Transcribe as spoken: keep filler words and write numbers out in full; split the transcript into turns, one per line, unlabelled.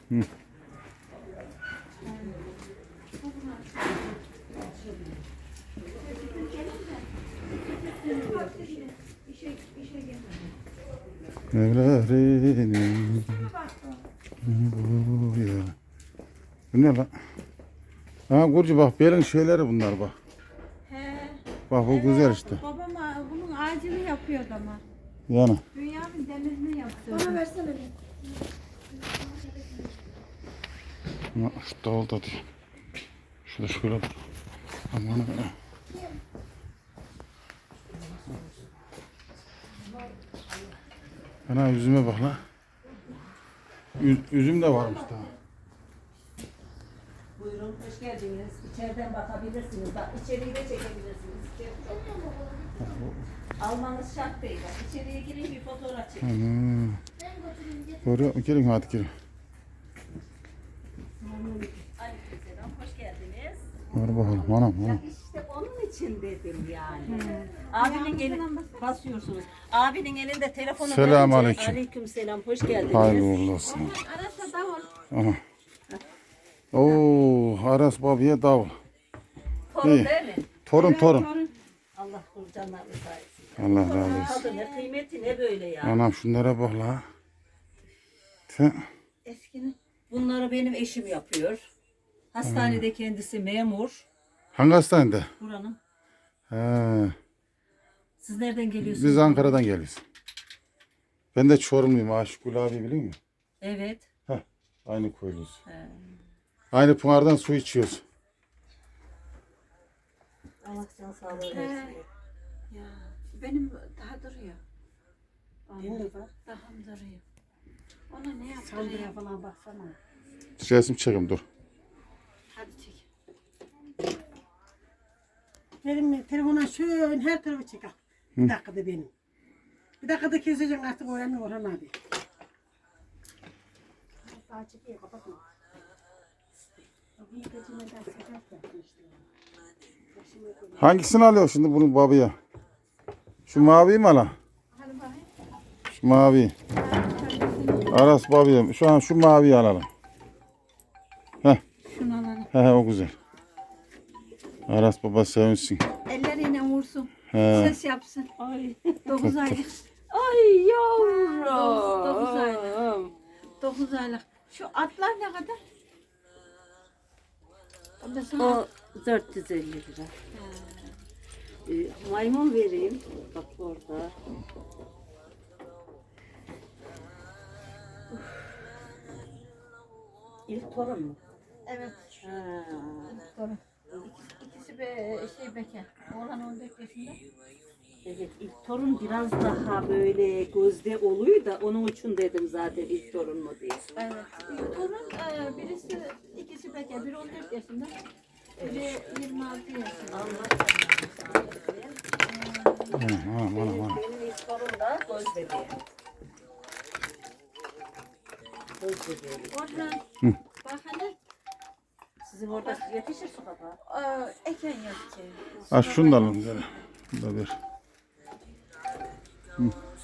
Hı. Evlerin bu ya. Bu ne lan? Ha Burcu bak belin şeyleri bunlar bak.
He.
Bak bu
Evet,
güzel işte.
Babam bunun ağacını yapıyordu ama.
Yani.
Dünyanın demirini yaptı.
Bana versene bir.
Ama şu davul da diyor. Şurada şöyle dur. Aman ha. Ana üzüme bak la. Üz, üzüm de varmış daha.
Buyurun, hoş geldiniz. İçeriden bakabilirsiniz. Bak, içeriği de çekebilirsiniz. İçeri çok... Almanız şart değil. Bak, içeriye girin bir fotoğraf çekin.
Ana. Doğru, gelin hadi gelin.
Aleykümselam, hoş geldiniz.
Hadi bakalım, anam
Ya
anam.
işte onun için dedim yani. Abinin eli basıyorsunuz. Abinin elinde telefonu
Selamünaleyküm.
Aleykümselam, hoş geldiniz.
Hayırlı uğurlu olsun.
Arasa davul.
Aha. Oo, Aras babaya davul.
Torun
İyi.
değil mi?
Torun torun.
Allah kurcanlarını sayesinde.
Allah razı olsun.
Tadı ne kıymeti ne böyle ya.
Anam şunlara bak la. Te-
Eskinin.
Bunları benim eşim yapıyor. Hastanede kendisi memur.
Hangi hastanede?
Buranın.
He.
Siz nereden geliyorsunuz?
Biz Ankara'dan geliyoruz. Ben de Çorumluyum. Aşık abi biliyor musun?
Evet.
Heh, aynı köylüyüz.
He.
Aynı pınardan su içiyoruz.
Allah can sağlığı
He.
versin.
Ya benim daha duruyor.
Değil mi bak?
Daha duruyor. Ona ne
Sandıra
yaptırayım?
falan baksana.
Resim çekim dur.
Hadi çek.
Benim telefona şöyle her tarafı çek al. Bir dakikada benim. Bir dakikada keseceğim artık öğrenme Orhan abi. Daha çekiyor kapatma. Bir geçimden sefer yaptım işte.
Hangisini alıyor şimdi bunun babaya? Şu maviyi mi ala?
Hadi bakayım.
Şu mavi. Aras babaya. Şu an şu maviyi alalım. Heh,
Şunu alalım.
he, he, o güzel. Aras baba sevinsin.
Elleriyle vursun.
He.
Ses yapsın.
Ay.
Dokuz aylık.
Ay yavrum.
Dokuz aylık. Dokuz aylık. Şu atlar ne kadar? Mesela
O dört yüz elli lira. Ee, maymun vereyim. Bak orada. İlk torun mu?
evet.
Ha.
Doğru. İkisi be, şey bekar. Oğlan on dört yaşında.
Evet, ilk torun biraz daha böyle gözde oluyor da onun için dedim zaten ilk torun mu diye.
Evet. Torun e, birisi ikisi bekar. Biri on dört yaşında. Biri yirmi altı yaşında.
Anam anam anam. anam.
Benim ilk torun da göz bebeği. Göz bebeği.
Orhan. Bak hele.
Sizin orada yetişir su kapağı.
E, eken yok ki.
Ha şunu da alalım. Şöyle. Bunu da ver. Hı.